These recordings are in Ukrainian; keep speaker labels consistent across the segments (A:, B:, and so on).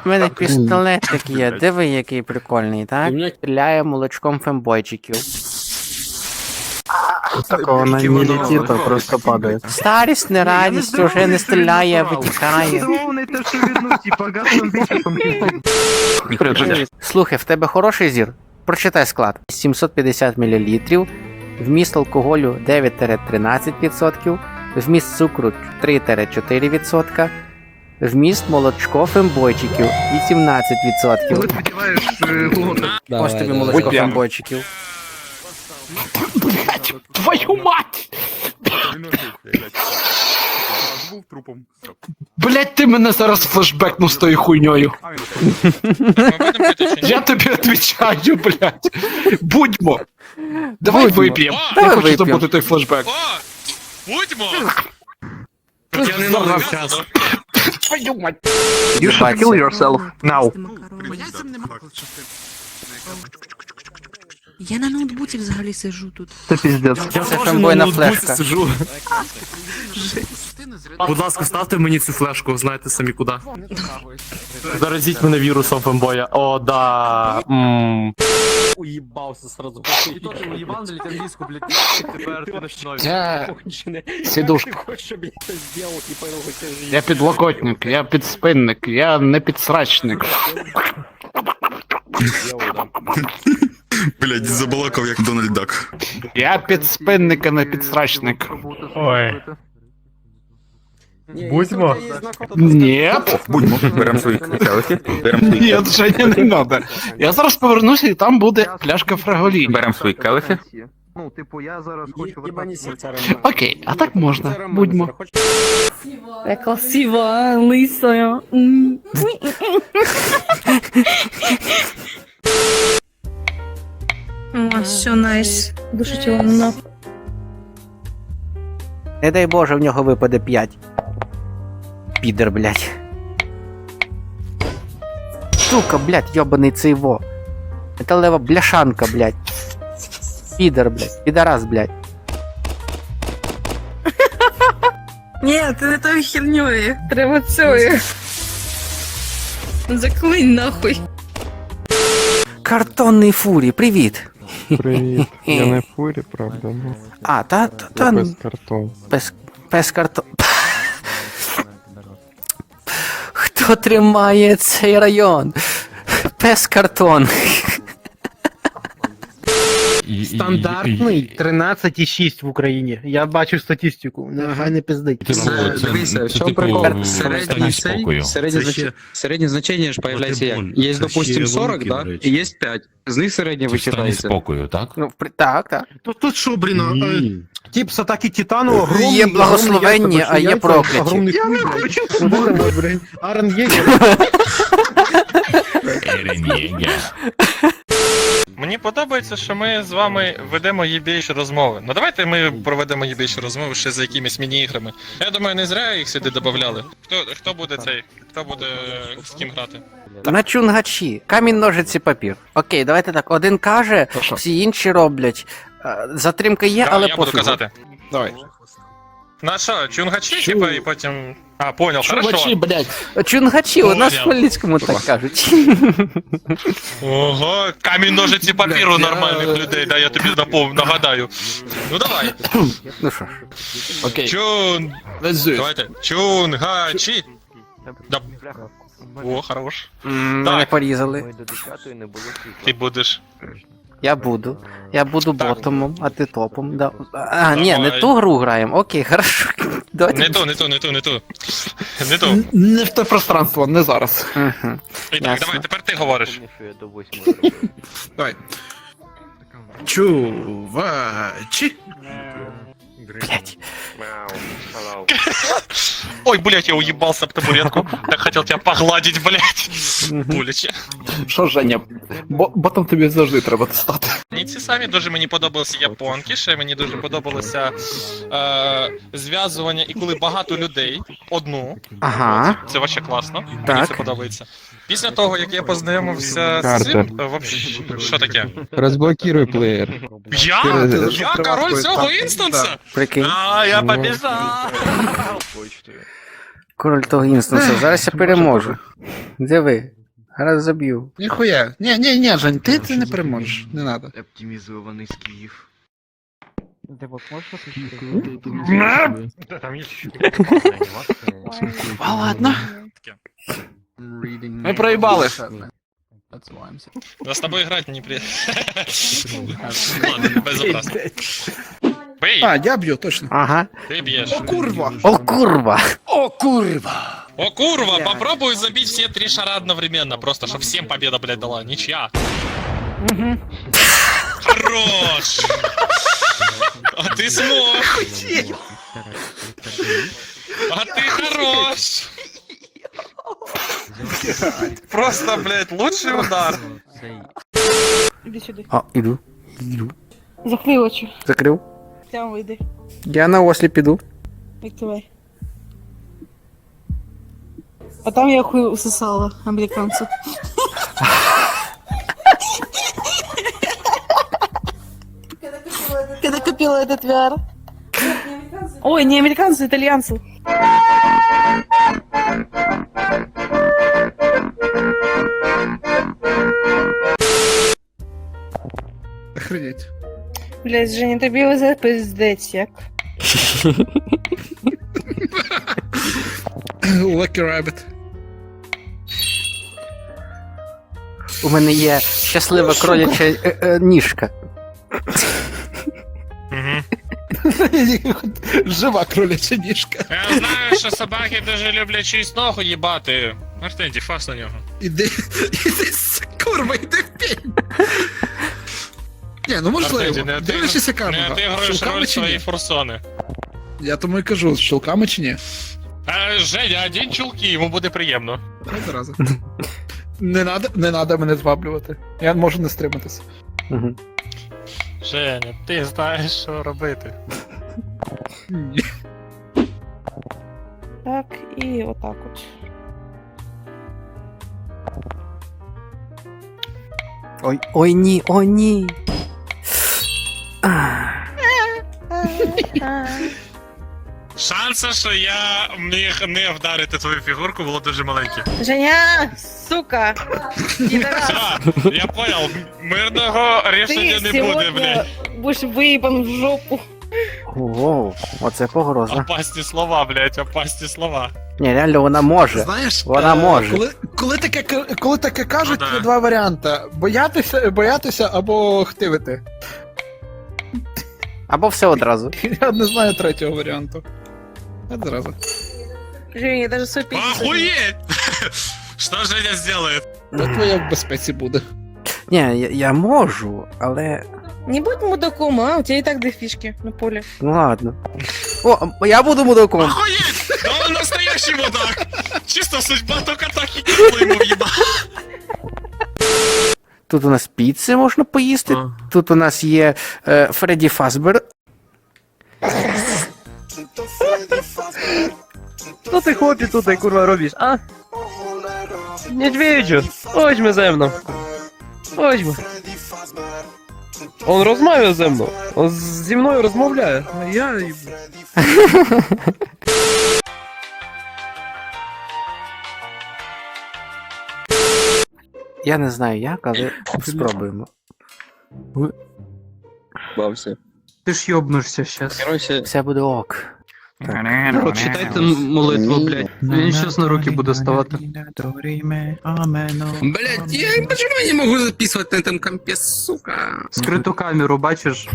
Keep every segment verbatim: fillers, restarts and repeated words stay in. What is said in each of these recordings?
A: У мене пістолетик є, диви, який прикольний, так? Стріляє молочком фембойчиків.
B: Такого на не летит, а просто падает.
A: Старість, не радість, уже не стріляє, а витікає. Слухай, в тебе хороший зір? Прочитай склад. сімсот п'ятдесят мілілітрів, вміст алкоголю дев'ять-тринадцять відсотків, вміст цукру три-чотири відсотка, вміст молочко фембойчиків вісімнадцять відсотків. Ось тобі молочко фембойчиків.
B: Блять, твою мать! Блять, ти мене зараз флешбекнув з тою хуйньою. Я тобі відповідаю, блять. Будьмо. Давай вип'ємо. Я
A: Давай
B: хочу
A: вип'ємо.
B: забути той флешбек.
C: Будьмо!
B: Я не награв час. Твою мать.
A: You should kill
B: yourself now.
D: Я на ноутбуці взагалі сиджу тут.
B: Це піздець.
A: Це фембойна флешка.
E: Будь ласка, ставте мені цю флешку, знаєте самі куди. Заразіть мене вірусом фембоя. О, да. Ммм.
F: Уебался сразу. И то ты уебал на английскую, блядь, тепер ти ночной.
B: Я
F: Конченый.
B: сідушка.
F: Ты хочешь, чтобы я это сделал, не понял, как тебе жизнь.
B: Я підлокотник, я підспинник, я не підсрачник.
C: Блядь, забалакав як Дональд Дак.
B: Я підспинник, а не підсрачник.
E: Ой.
F: Не,
E: Будьмо.
F: если у тебя есть знакомый, то
B: Ні.
C: Будьмо, беремо свої келихи, беремо свої
B: Ні, Женя, не надо. Я зараз повернуся і там буде пляшка фраголіні.
C: беремо свої келихи.
G: Ну, типу, я зараз
F: е-
G: хочу
F: ебани сердца.
B: Окей, а так можна. Будьмо.
D: Я красива, лисая. М. О, все, найс. Душить його нахуй.
A: Не дай Боже, в нього випаде п'ять. Підер, блядь. Сука, блядь, йобаний цей во. Металева бляшанка, блядь. Підер, блядь. Підарас, блядь.
D: Ні, ти не тою херньою. Треба цією. Заклинь нахуй.
A: Картонний фурі, привіт.
H: Привіт. Я не в фурі, правда, ну.
A: А, та, та,
H: Я
A: та,
H: без картон.
A: пес, пес картон. Хто тримає цей район? Пес картон.
I: Стандартний тринадцять і шість в Україні. Я бачу статистику. Нехай не пиздить.
F: Дивися, в чому прикол? Середній цей, середнє знач- середнє значення ж появляється як? Є, допустим, сорок, да? І є п'ять. З них середнє вичитається.
E: спокою, так?
A: Ну, при- так, так.
I: Тут, тут що, блін, а, тип з атаки Титану, огромний,
A: Є благословенні, а є прокляті.
I: Я не хочу. Блін, Арен Єгер.
J: Мені подобається, що ми з вами ведемо єбейші розмови. Ну давайте ми проведемо єбейші розмови ще за якимись міні-іграми. Я думаю, не зря їх сюди додавали. Хто, хто буде цей? Хто буде з ким грати?
A: На чунгачі. Камінь, ножиці, папір. Окей, давайте так. Один каже, всі інші роблять. Е, Затримка є,
J: Да,
A: але
J: я буду
A: пофігу.
J: казати.
B: Давай.
J: На що, чунгачі, типа, і потім... А, понял,
B: Чувачі,
J: хорошо.
B: блядь.
A: Чунгачі, у нас в
J: Понял.
A: Хмельницькому так кажуть.
J: Ого, камінь, ножиці, папіру нормальних людей, да, я тобі напов... нагадаю. Ну давай.
A: Ну що ж.
B: Окей.
J: Чун...
B: Let's do it.
J: Давайте. Чунгачі. Да. О, хорош.
A: М,
J: Так.
A: Мене порізали.
J: Ти будеш.
A: Я буду. Я буду
J: Так.
A: ботомом, а ти топом. Да. А, ні, не
J: Давай.
A: ту гру граємо. Окей, хорошо. Давайте.
J: Не то, не то, не то, не то. Не то.
B: Не в те пространство, не зараз.
A: Мгм.
J: І так,
A: Ясно.
J: давай, тепер ти говориш.
B: Давай. Чувачі.
A: Блять.
J: Ой, блять, я уебался об табуретку. Так хотел тебя погладить, блять. Боляче.
B: Що, Женя? Бо, ботом тобі завжди треба стати.
J: Мені ці самі дуже мені подобалися японки, ще мені дуже подобалося е, зв'язування, і коли багато людей, одну.
A: Ага.
J: Це вообще класно. Мені
A: Так.
J: це подобається. Після того, як я познайомився з
H: Картер.
J: цим, е, вообще, що таке?
H: Розблокируй плеєр.
J: Я?
H: Через-
J: Я король цього інстанса?
A: Прикинь.
J: А, я побіжав!
A: Король того інстансу. Зараз я переможу. Диви. Зараз заб'ю.
B: Ніхуя. Ні, ні, ні, Жень, ти це не переможеш. Не надо.
G: Оптимізований Київ.
B: А ладно. Ми проїбали.
J: Да с тобой играть не при... Ладно, безобразно. Бей,
B: А, я б'ю, точно.
A: Ага.
J: ты бьешь.
B: Курва.
A: О, курва!
B: О, курва.
J: О, курва, попробуй забить все три шара одновременно, просто, чтобы всем победа, блядь, дала. Ничья. Хорош! А ты смог! А ты хорош! Просто, блядь, лучший удар.
D: Іди сюди.
A: А, іду. Іду.
D: Закрий очі.
A: Закрив.
D: Прямо вийди.
A: Я на ослі піду.
D: Відкривай. А там я хуй усосала американцев. Когда купила этот ви ар. Ой, не американцы, итальянцы.
B: Охренеть.
D: Блять, Женя, тобі везе пиздець, як?
B: Lucky Rabbit.
A: У мене є щаслива кроляча е, е, ніжка.
B: Жива кроляча ніжка.
J: Я знаю, що собаки дуже люблять чиюсь ногу їбати. Артенті, фас на нього.
B: Іди, іди, курва, іди в пень. Ні, ну можливо.
J: Артенті, не
B: Дивишся
J: отигруєш
B: камера.
J: не отигруєш
B: Щелками
J: роль
B: чи ні?
J: своєї форсони.
B: Я тому і кажу, з щелками чи ні?
J: А, Женя, одінь чулки, йому буде приємно.
B: Хай зараза. Не надо, не надо мене зваблювати. Я можу не стриматися.
A: Угу.
J: Женя, ти знаєш, що робити.
B: Ні.
D: Так, і отак от.
A: Ой, ой ні, о ні. А,
J: Шанси, що я міг не вдарити твою фігурку, було дуже маленьке.
D: Женя, сука! Підарас,
J: Все, я понял, мирного рішення
D: ти
J: не буде,
D: сьогодні
J: блядь.
D: будеш виїбан в жопу.
A: Воу, оце погроза.
J: Опасні слова, блядь, опасні слова.
A: Ні, реально вона може.
B: Знаєш,
A: Вона
B: е,
A: може.
B: Коли, коли, таке, к- коли таке кажуть,
J: Ну да.
B: є два варіанти. Боятися, боятися або хтивити.
A: Або все одразу.
B: Я не знаю третього варіанту. Я зразу.
D: Женя, я даже свой пиздец.
J: Охуеть! Что Женя сделает?
B: Та твоя в безпеці буде.
A: Ні, я, я можу, але.
D: Не будь мудаком, а? У тебя и так две фишки на поле.
A: Ну ладно. О, я буду мудаком.
J: Охуеть! Да он настоящий мудак! Чисто судьба только так и кинула ему въеба.
A: Тут у нас піци можна поїсти. Тут у нас є е, Фредді Фазбер.
I: Що ти хлопці тут, курва, робиш, а? Медведю, ходьмо ze mną. Ходьмо. Он розмовляє зі мною. Он зі мною розмовляє. А я...
A: Я не знаю як, але спробуємо.
F: Бався.
E: Ти ж йобнешся щас.
F: Короче,
A: Все буде ок.
F: прочитайте молитву, блядь.
E: Він щас на руки буде ставати.
C: Блять, я почему я не могу записывать на этом компе, сука?
E: Скриту камеру, бачиш?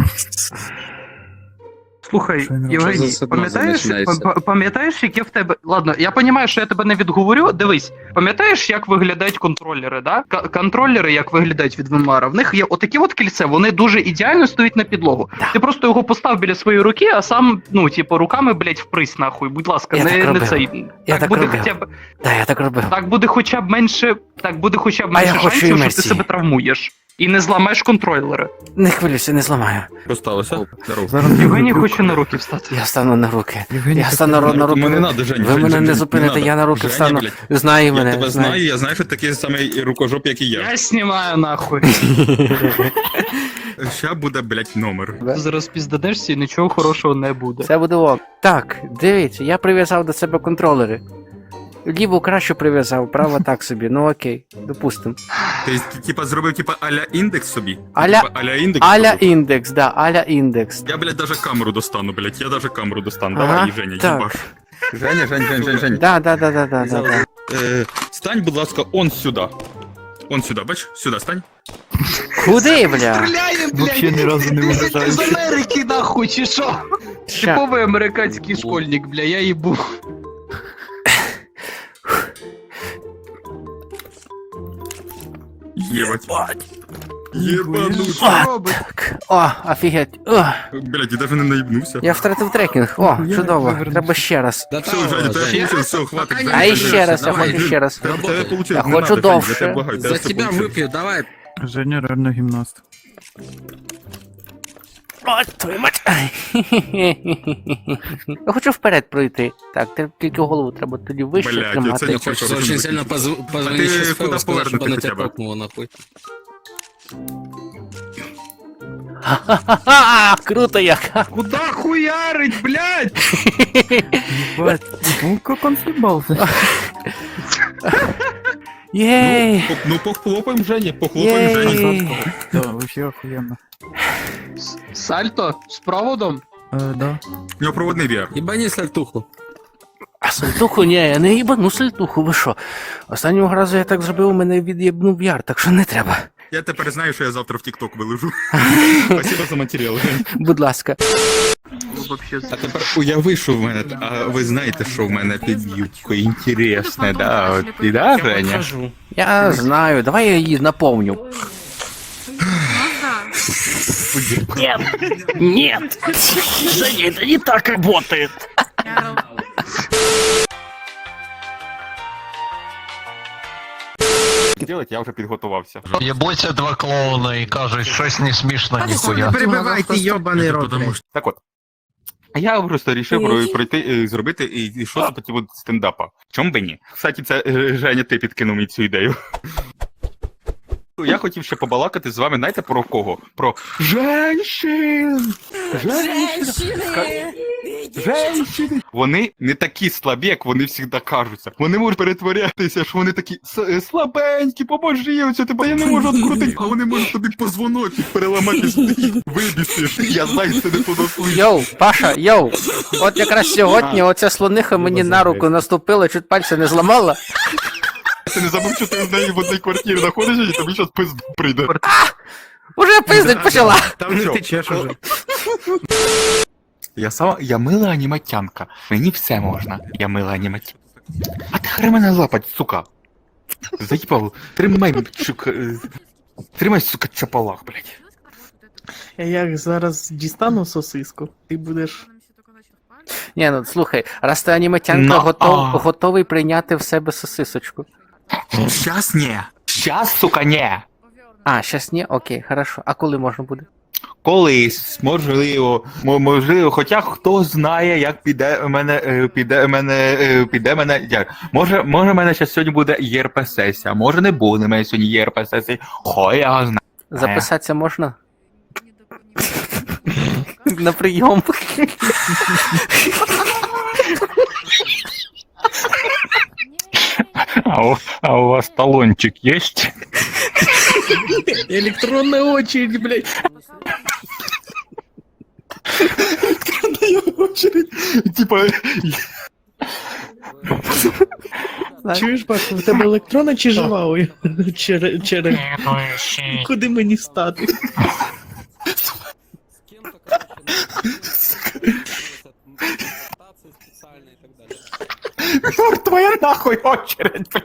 E: Слухай,
F: Що
E: Євгеній,
F: за
E: пам'ятаєш,
F: починається?
E: па- пам'ятаєш, яке в тебе. Ладно, я розумію, що я тебе не відговорю. Дивись, пам'ятаєш, як виглядають контролери, да? К- контролери, як виглядають від Венмара, в них є отакі от кільце, вони дуже ідеально стоять на підлогу. Ти просто його постав біля своєї руки, а сам, ну, типу, руками, блядь, впрись нахуй. Будь ласка,
A: Я
E: не,
A: так
E: не
A: робив.
E: цей.
A: Я так
E: буде
A: робив.
E: хоча б.
A: Так, я так робив.
E: Так буде хоча б менше. Так буде хоча б
A: А я
E: менше
A: хочу
E: шансів, що ти
A: імерсії.
E: себе травмуєш. І не зламаєш контролери.
A: Не хвилюйся, не зламаю.
C: Що сталося? Здорово.
E: Євгеній хоче на руки встати.
A: Я стану на руки. Я стану на, на руки.
C: Мене не надо, Жень.
A: Ви
C: Жень,
A: мене
C: Жень,
A: не
C: Жень,
A: зупините,
C: надо.
A: я на руки
C: Женя,
A: встану.
C: блядь,
A: Знаю
C: Я
A: мене.
C: тебе
A: знаю.
C: знаю, я знаю, що такий самий рукожоп, як і я.
E: Я знімаю нахуй.
C: Ща буде, блять, номер.
E: Ти зараз піздадешся і нічого хорошого не буде.
A: Все буде ок. Так, дивіться, я прив'язав до себе контролери. Ліву кращу прив'язав, право так собі, ну окей, допустим.
B: Ти, типа, зробив, типа, аля індекс собі?
A: Аля,
B: Типа, аля індекс?
A: аля
B: зробив?
A: індекс, да, аля індекс.
B: Я, блядь, даже камеру достану, блядь, я даже камеру достану.
A: Ага,
B: Давай, Женя,
A: так.
B: їбаш. Женя, Жень, Жень, Жень, Жень.
A: Да, да, да, да, да, да, да.
B: Е, стань, будь ласка, он сюди. Он сюди, бач? Сюди стань.
A: Куди, бля?
F: Вообще ни разу не
E: З Америки нахуй, чи що?
A: Ща.
E: Типовий американський школьник, бля, я їбу.
B: Єбать. Єбануть.
A: Так, о, офігеть. О,
B: Блядь, я даже не наїбнувся.
A: я втратив трекінг. О, чудово. Треба ще раз.
B: Все, Женя, тебе получилось, все, хватить.
C: А,
B: Женя,
A: А
B: Женя,
A: ще раз, я
C: давай,
A: хочу ще раз.
B: Тебе, тебе получилось,
A: Я
B: не
A: хочу
B: надо, Женя,
A: довше.
B: я тебе благаю, тебе
C: За
B: все
C: тебя
B: получилось.
C: выпью, давай.
H: Женя реально гімнаст.
A: О, твою мать. Я хочу вперед пройти. Так, те- тільки голову треба тоді вище
B: Блядь, я
A: тримати.
B: це не
C: Хочется
B: хочу.
C: очень сильно позв-
B: А
C: позвонить
B: ты
C: Шефу,
B: куда
C: сказать, чтобы
B: повернуты
C: она
B: хотя
C: тебя
B: бы?
C: прокнула нахуй.
A: Ха-ха-ха! Круто як!
B: Куда хуярить, блядь?
H: Ну, как он съебался?
A: Єй!
B: Ну, ну похлопаем Жене, похлопаем Жене.
A: Єй!
H: Да, вообще охуенно.
E: Сальто? З проводом?
H: Э, да.
B: У нього проводний ві ар.
C: Ебани сальтуху.
A: А сальтуху? Ні, я не їбану сальтуху, ви що? Останнього разу я так зробив, у мене від'єбнув яр, так що не треба.
B: Я тепер знаю, що я завтра в ТікТок виложу. Спасибо за матеріал, Жень.
A: Будь ласка.
B: А тепер уяви, що в мене, а ви знаєте, що в мене під юбкою інтересне, да? От, і да, Женя?
A: Я знаю, давай я її наповню. Нет, нет, Женя, это не так работает.
B: Делать, я вже підготувався.
I: Єбуться два клоуна і кажуть, щось не смішно, ніхуя.
C: Перебивайте, ебаный рот.
B: Так от. Я просто рішив про- пройти, е, зробити і, і щось по типу стендапа. Чом би ні? Кстати, це е, Женя, ти підкинув мені цю ідею. Я хотів ще побалакати з вами, знаєте, про кого? Про женщин! Женщини! Женщини! Вони не такі слабі, як вони завжди кажуться. Вони можуть перетворятися, що вони такі «С- е, слабенькі, поможи, оце тебе я не можу відкрутити, а вони можуть тобі позвоночник переламати, вибісиш. Я знаю, це не туди слухаю.
A: Йоу, Паша, йоу. От якраз сьогодні оця слониха мені на руку наступила, чуть пальця не зламала.
B: Ти не забув, що ти з нею в одній квартирі знаходишся, і тобі зараз пизд прийде.
A: Уже пиздить почала.
B: Там не течеш уже. Я сама, я мила аніматянка. Мені все можна. Я мила аніматянка. А ти хай мене лапать, сука. Заїбав. Тримай, сука. е, Тримай, сука, чапалах, блядь.
K: Я як зараз дістану сосиску, ти будеш.
A: Ні, ну слухай, раз ти аніматянка
B: Ну,
A: готов,
B: а.
A: готовий прийняти в себе сосисочку.
B: Щас ні. Щас, сука, ні.
A: А, щас ні? Окей, хорошо. А коли можна буде?
B: Колись, можливо, мо- можливо, хоча хто знає, як піде у мене, е, піде у мене, е, піде мене, як, може, може, в мене ще сьогодні буде ЄРП-сесія, може не буде в мене сьогодні ЄРП-сесія, хо я знаю.
A: Записатися можна? На прийом.
B: А у, а у вас талончик есть?
K: Електронна очередь, блядь.
B: Типа,
K: Чуєш, Паша, в тебе електронна чи жива? Ой, Через... через... Куди мені встати?
B: твоя нахуй очередь, бля.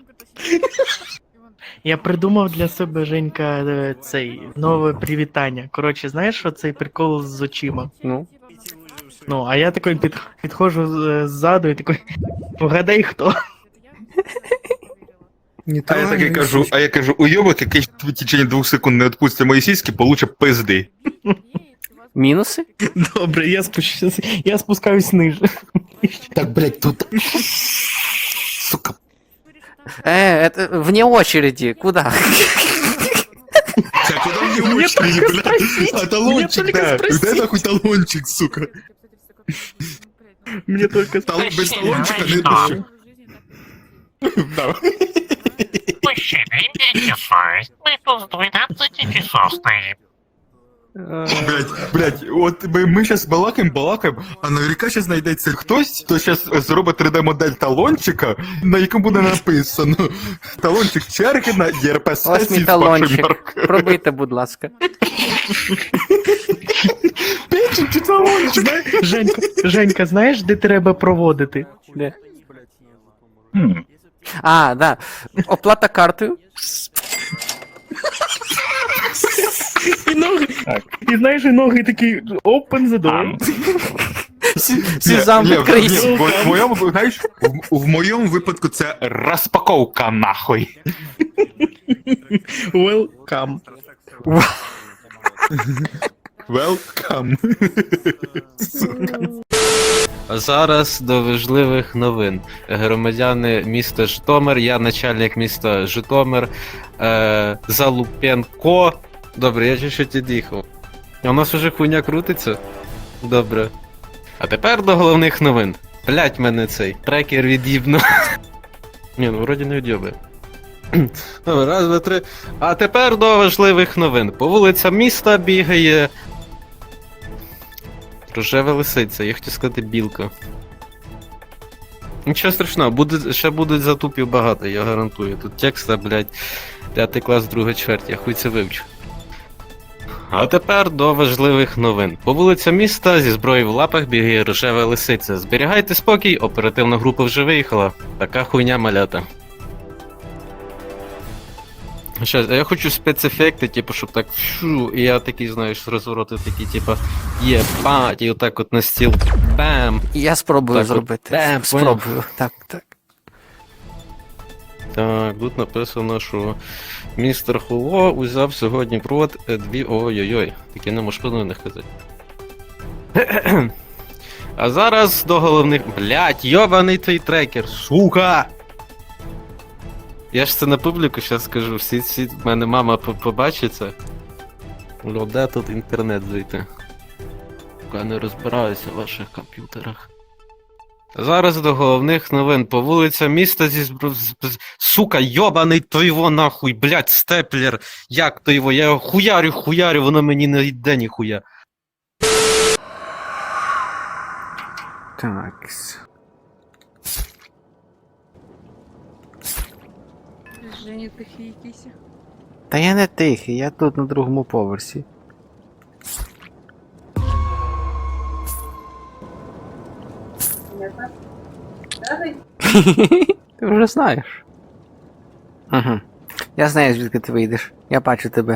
K: Я придумав для себе, Женька, е, цей нове привітання. Коротше, знаєш, що цей прикол з очима?
A: Ну.
K: Ну, а я такий під, підходжу е, ззаду і такий, вгадай хто.
B: А я таки кажу, а я кажу, уйобок, який в течение двох секунд не відпустить мої сіськи, получе пизди.
A: Мінуси?
K: Добре, я спущусь, я спускаюсь ниже.
B: Так, блядь, тут... Сука.
A: Э, это вне очереди. Куда?
B: Так, куда мне
K: Мне
B: очереди,
K: только
B: блядь?
K: спросить,
B: А
K: мне
B: талончик,
K: только
B: да.
K: спросить.
B: Дай нахуй талончик, сука.
K: Мені тільки
B: Талон, без талончика не пишу. Да.
J: Мужчина, імейте совість. Ми тут з дванадцяти часов стоїмо.
B: Блять, блять, от ми, ми щас балакаємо, балакаємо, а наверняка щас знайдеться хтось, хто щас зробить три Д-модель талончика, на якому буде написано талончик Чергіна, ЄРП
A: Ось
B: сесії
A: мій
B: з вашою
A: талончик.
B: маркою.
A: Пробийте, будь ласка.
B: Печень чи талончик?
K: Знаєш, Женька, Женька, знаєш, де треба проводити?
A: Де? А, да. Оплата картою.
K: І ноги, і знаєш, і ноги такі, open the door.
A: Сюзан,
B: Ні, ні,
A: відкрийся.
B: ні, в, в моєму, знаєш, в, в моєму випадку це розпаковка нахуй.
K: Welcome.
B: Welcome.
I: А зараз до важливих новин. Громадяни міста Житомир, я начальник міста Житомир, е, Залупенко. Добре, я чуть-чуть від'їхав. А у нас уже хуйня крутиться? Добре. А тепер до головних новин. Блять, мене цей трекер від'їбно. Ні, ну вроді не від'єбе. Добре, раз, два, три. А тепер до важливих новин. По вулицям міста бігає рожева лисиця, я хотів сказати білка. Нічого страшного, буде, ще будуть затупів багато, я гарантую. Тут текста, блядь, п'ятий клас, друга чверть, я хуй це вивчу. А тепер до важливих новин. По вулицям міста зі зброєю в лапах бігає рожева лисиця. Зберігайте спокій, оперативна група вже виїхала. Така хуйня малята. Щас, а я хочу спецефекти, типу, щоб так фшу, і я такий, знаєш, розвороти такі, типу, єбать, і отак от на стіл, бам.
A: Я спробую
I: Так, от,
A: зробити.
I: бем,
A: Спробую. Так, так.
I: Так, тут написано, що містер Хуло узяв сьогодні провод е, дві ой-ой-ой. Таке не можеш повинен казати. А зараз до головних. Блять, йобаний той трекер, сука! Я ж це на публіку зараз скажу, всі, всі, в мене мама по- побачить це. Ну, де тут інтернет зайти? Я не розбираюся в ваших комп'ютерах. Зараз до головних новин. По вулицям міста зі збро... з- з- Сука, йобаний той во нахуй, блять, степлер. Як то його? Я його хуярю, хуярю, воно мені не йде ніхуя.
A: Так.
D: Женя, тихий якийсь.
A: Та я не тихий, я тут на другому поверсі. Ти вже знаєш. Угу. Я знаю, звідки ти вийдеш. Я бачу тебе.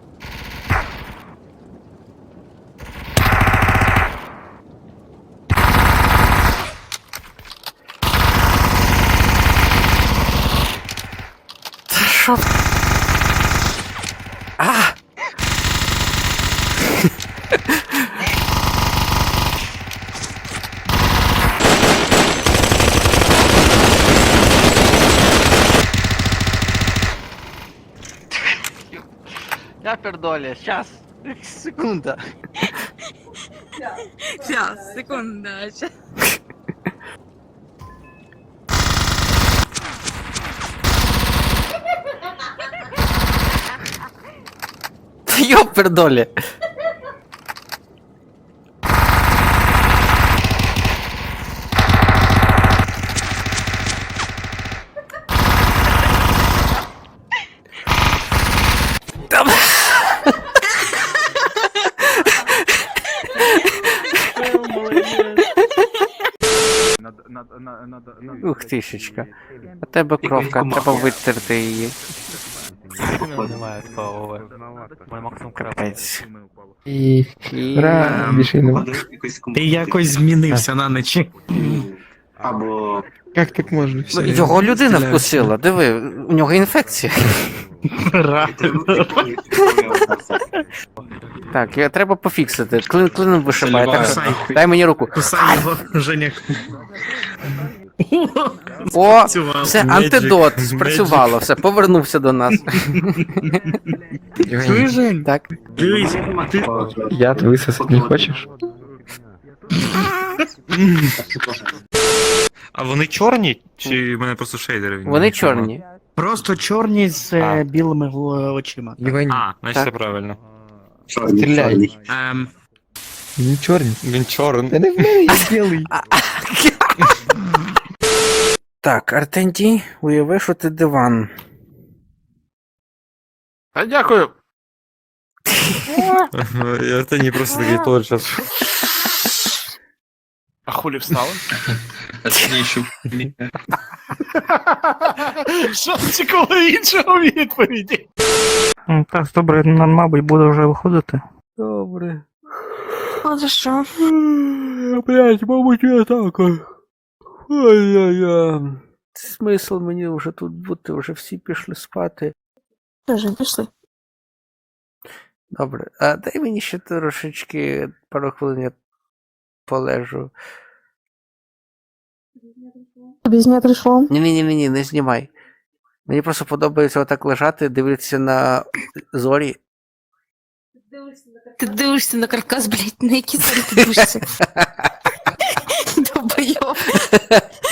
A: Та що? А! Я пердоля, щас. Секунда.
D: Сейчас, секунда. щас.
A: Ёпердоле. Ух тишечка. У тебе кровка, треба витерти її. Капець.
K: І...
A: І...
K: Ти якось змінився на ночі.
G: Або
K: Як так можна?
A: Ну, його людина вкусила, диви, у нього інфекція. Так, я, треба пофіксити. Клин, клином вишибає. Так, що- дай мені руку.
K: Кусай його, Женя.
A: О, все, антидот, спрацювало, все, повернувся до нас.
K: Чуєш, Жень?
A: Так.
K: Дивись, ти...
H: Я ти висосати не хочеш?
J: А вони чорні? Чи в мене просто шейдери?
A: Вони чорні.
K: Просто чорні з
J: А.
K: е, білими гл- очима.
J: А, значить
A: Так.
J: це правильно.
G: Чорний,
I: Стріляй.
G: чорний.
F: Ем,
K: Він чорний.
J: Він чорний.
K: Та не в мене є білий.
A: Так, Артентій, уяви, що ти диван.
I: А дякую.
J: Я та ні, просто такий творчас.
I: А хулі встали? Що очікувало іншого відповіді?
H: Так, добре, нам, мабуть, буде вже виходити.
A: Добре.
D: А за що?
A: Блять, мабуть, я так. Ой-ой-ой. Смисл мені вже тут бути, вже всі пішли спати.
D: Тоже пішли.
A: Добре, а дай мені ще трошечки пару хвилин я полежу.
D: Тобі зняти шлом?
A: Ні-ні-ні, не знімай. Мені просто подобається отак лежати, дивитися на зорі.
D: Ти дивишся на каркас, блядь, на які зорі ти дивишся? Долбойоб.